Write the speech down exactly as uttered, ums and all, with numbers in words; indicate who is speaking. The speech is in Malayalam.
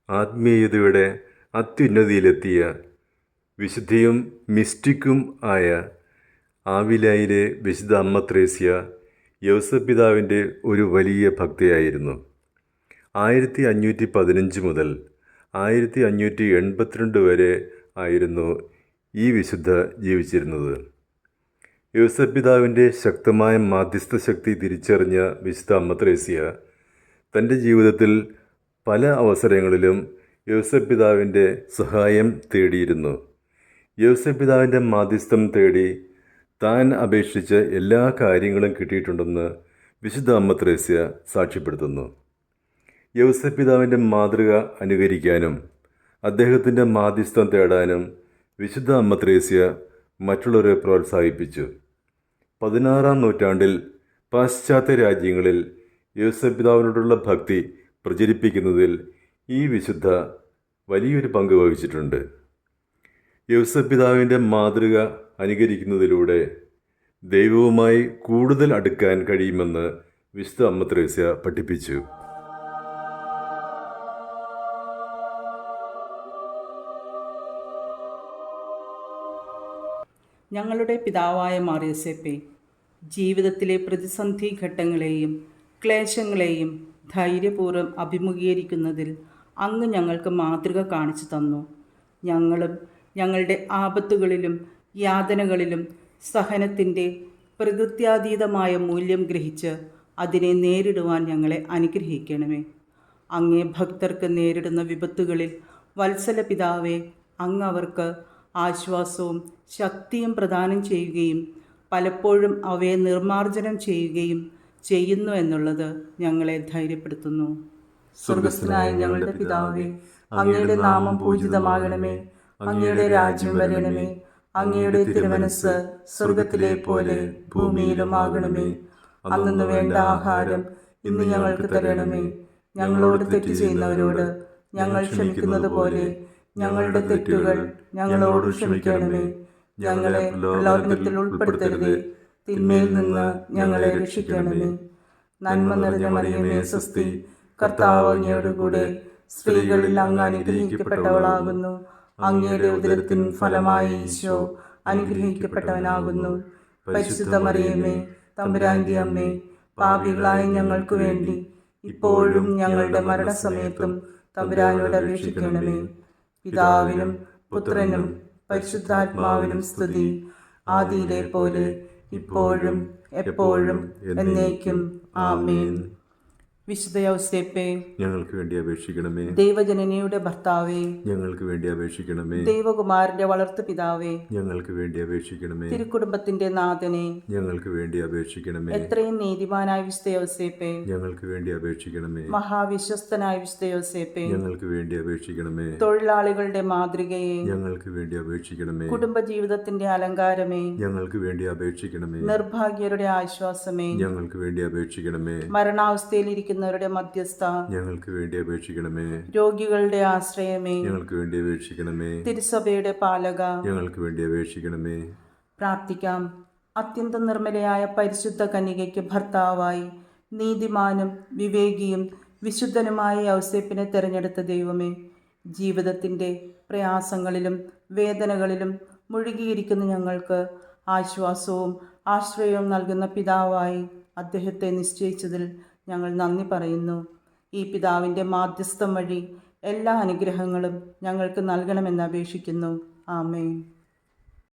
Speaker 1: ആത്മീയതയുടെ അത്യുന്നതിയിലെത്തിയ വിശുദ്ധിയും മിസ്റ്റിക്കും ആയ ആവിലായിലെ വിശുദ്ധ അമ്മ ത്രേസ്യ യൗസേപ്പ് പിതാവിൻ്റെ ഒരു വലിയ ഭക്തയായിരുന്നു. ആയിരത്തി അഞ്ഞൂറ്റി പതിനഞ്ച് മുതൽ ആയിരത്തി അഞ്ഞൂറ്റി എൺപത്തിരണ്ട് വരെ ആയിരുന്നു ഈ വിശുദ്ധ ജീവിച്ചിരുന്നത്. യൗസേപ്പ് പിതാവിൻ്റെ ശക്തമായ മാധ്യസ്ഥ ശക്തി തിരിച്ചറിഞ്ഞ വിശുദ്ധ അമ്മ ത്രേസ്യ തൻ്റെ ജീവിതത്തിൽ പല അവസരങ്ങളിലും യൗസേപ്പ് പിതാവിൻ്റെ സഹായം തേടിയിരുന്നു. യൗസേപ്പ് പിതാവിൻ്റെ മാധ്യസ്ഥം തേടി താൻ അപേക്ഷിച്ച എല്ലാ കാര്യങ്ങളും കിട്ടിയിട്ടുണ്ടെന്ന് വിശുദ്ധ അമ്മ ത്രേസ്യ സാക്ഷ്യപ്പെടുത്തുന്നു. യൗസേപ്പ് പിതാവിൻ്റെ മാതൃക അനുകരിക്കാനും അദ്ദേഹത്തിൻ്റെ മാധ്യസ്ഥം തേടാനും വിശുദ്ധ അമ്മ ത്രേസ്യ മറ്റുള്ളവരെ പ്രോത്സാഹിപ്പിച്ചു. പതിനാറാം നൂറ്റാണ്ടിൽ പാശ്ചാത്യ രാജ്യങ്ങളിൽ യൗസേപ്പ് പിതാവിനോടുള്ള ഭക്തി പ്രചരിപ്പിക്കുന്നതിൽ ഈ വിശുദ്ധ വലിയൊരു പങ്ക് വഹിച്ചിട്ടുണ്ട്. യൗസേപ്പ് പിതാവിൻ്റെ മാതൃക അനുകരിക്കുന്നതിലൂടെ ദൈവവുമായി കൂടുതൽ അടുക്കാൻ കഴിയുമെന്ന് വിശുദ്ധ അമ്മ ത്രേസ്യ പഠിപ്പിച്ചു.
Speaker 2: ഞങ്ങളുടെ പിതാവായ മാർ യോസേപ്പേ, ജീവിതത്തിലെ പ്രതിസന്ധി ഘട്ടങ്ങളെയും ക്ലേശങ്ങളെയും ധൈര്യപൂർവ്വം അഭിമുഖീകരിക്കുന്നതിൽ അങ്ങ് ഞങ്ങൾക്ക് മാതൃക കാണിച്ചു തന്നു. ഞങ്ങളും ഞങ്ങളുടെ ആപത്തുകളിലും യാതനകളിലും സഹനത്തിൻ്റെ പ്രകൃത്യാതീതമായ മൂല്യം ഗ്രഹിച്ച് അതിനെ നേരിടുവാൻ ഞങ്ങളെ അനുഗ്രഹിക്കണമേ. അങ്ങേ ഭക്തർക്ക് നേരിടുന്ന വിപത്തുകളിൽ വത്സല പിതാവേ, അങ്ങ് അവർക്ക് ആശ്വാസവും ശക്തിയും പ്രദാനം ചെയ്യുകയും പലപ്പോഴും അവയെ നിർമ്മാർജ്ജനം ചെയ്യുകയും ചെയ്യുന്നു എന്നുള്ളത് ഞങ്ങളെ ധൈര്യപ്പെടുത്തുന്നു. സ്വർഗസ്ഥനായ ഞങ്ങളുടെ പിതാവേ, അങ്ങയുടെ നാമം പൂജിതമാകണമേ. അങ്ങയുടെ രാജ്യം വരണമേ. അങ്ങയുടെ തിരുമനസ്സ് സ്വർഗത്തിലെ പോലെ ഭൂമിയിലും ആകണമേ. അന്നു വേണ്ട ആഹാരം ഇന്ന് ഞങ്ങൾക്ക് തരണമേ. ഞങ്ങളോട് തെറ്റ് ചെയ്യുന്നവരോട് ഞങ്ങൾ ക്ഷമിക്കുന്നത് പോലെ ഞങ്ങളുടെ തെറ്റുകൾ ഞങ്ങളോട് ക്ഷമിക്കണമേ. ഞങ്ങളെ പ്രലോഭനത്തിൽ ഉൾപ്പെടുത്തരുതേ, തിന്മയിൽ നിന്ന് ഞങ്ങളെ രക്ഷിക്കണമേ. നന്മ നിറഞ്ഞ മറിയമേ സ്വസ്തി, കർത്താവ് അങ്ങയോടുകൂടെ സ്ത്രീകളിൽ അങ്ങ് അനുഗ്രഹിക്കപ്പെട്ടവളാകുന്നു. അങ്ങയുടെ ഉദരത്തിൻ ഫലമായി ഈശോ അനുഗ്രഹിക്കപ്പെട്ടവനാകുന്നു. പരിശുദ്ധ മറിയമേ, തമ്പുരാന്റെ അമ്മേ, പാപികളായ ഞങ്ങൾക്ക് വേണ്ടി ഇപ്പോഴും ഞങ്ങളുടെ മരണസമയത്തും തമ്പുരാനോട് അപേക്ഷിക്കണമേ. പിതാവിനും പുത്രനും പരിശുദ്ധാത്മാവിനും സ്തുതി, ആദിയിലെ പോലെ ഇപ്പോഴും എപ്പോഴും എന്നേക്കും ആമേൻ. വിശുദ്ധ യൗസേപ്പേ,
Speaker 1: ഞങ്ങൾക്ക് വേണ്ടി അപേക്ഷിക്കണമേ.
Speaker 2: ദൈവജനനിയുടെ ഭർത്താവേ,
Speaker 1: ഞങ്ങൾക്ക് വേണ്ടി അപേക്ഷിക്കണമേ.
Speaker 2: ദൈവകുമാരന്റെ വളർത്തു പിതാവേ,
Speaker 1: ഞങ്ങൾക്ക് വേണ്ടി അപേക്ഷിക്കണമേ.
Speaker 2: തിരുക്കുടുംബത്തിന്റെ നാഥനെ,
Speaker 1: ഞങ്ങൾക്ക് വേണ്ടി അപേക്ഷിക്കണമേ.
Speaker 2: എത്രയും നീതിമാനായ വിശുദ്ധ യൗസേപ്പേ,
Speaker 1: ഞങ്ങൾക്ക് വേണ്ടി അപേക്ഷിക്കണമേ.
Speaker 2: മഹാവിശ്വസ്തനായ വിശുദ്ധ യൗസേപ്പേ,
Speaker 1: ഞങ്ങൾക്ക് വേണ്ടി അപേക്ഷിക്കണമേ.
Speaker 2: തൊഴിലാളികളുടെ മാതൃകയെ,
Speaker 1: ഞങ്ങൾക്ക് വേണ്ടി അപേക്ഷിക്കണമേ.
Speaker 2: കുടുംബജീവിതത്തിന്റെ അലങ്കാരമേ,
Speaker 1: ഞങ്ങൾക്ക് വേണ്ടി അപേക്ഷിക്കണമേ.
Speaker 2: നിർഭാഗ്യരുടെ ആശ്വാസമേ,
Speaker 1: ഞങ്ങൾക്ക് വേണ്ടി അപേക്ഷിക്കണമേ.
Speaker 2: മരണാവസ്ഥയിലിരിക്കുന്നവരുടെ മധ്യസ്ഥ,
Speaker 1: ഞങ്ങൾക്ക് വേണ്ടി അപേക്ഷിക്കണമേ.
Speaker 2: രോഗികളുടെ ആശ്രയമേ,
Speaker 1: ഞങ്ങൾക്ക് വേണ്ടി അപേക്ഷിക്കണമേ.
Speaker 2: തിരുസഭയുടെ പാലക,
Speaker 1: ഞങ്ങൾക്ക് വേണ്ടി അപേക്ഷിക്കണമേ.
Speaker 2: പ്രാർത്ഥിക്കാം. അത്യന്തം നിർമ്മലയായ പരിശുദ്ധ കന്യകയ്ക്ക് ഭർത്താവായി നീതിമാനും വിവേകിയും വിശുദ്ധനുമായ യൗസേപ്പിനെ തിരഞ്ഞെടുത്ത ദൈവമേ, ജീവിതത്തിൻ്റെ പ്രയാസങ്ങളിലും വേദനകളിലും മുഴുകിയിരിക്കുന്ന ഞങ്ങൾക്ക് ആശ്വാസവും ആശ്രയവും നൽകുന്ന പിതാവായി അദ്ദേഹത്തെ നിശ്ചയിച്ചതിൽ ഞങ്ങൾ നന്ദി പറയുന്നു. ഈ പിതാവിൻ്റെ മാധ്യസ്ഥം വഴി എല്ലാ അനുഗ്രഹങ്ങളും ഞങ്ങൾക്ക് നൽകണമെന്ന് അപേക്ഷിക്കുന്നു. ആമേൻ.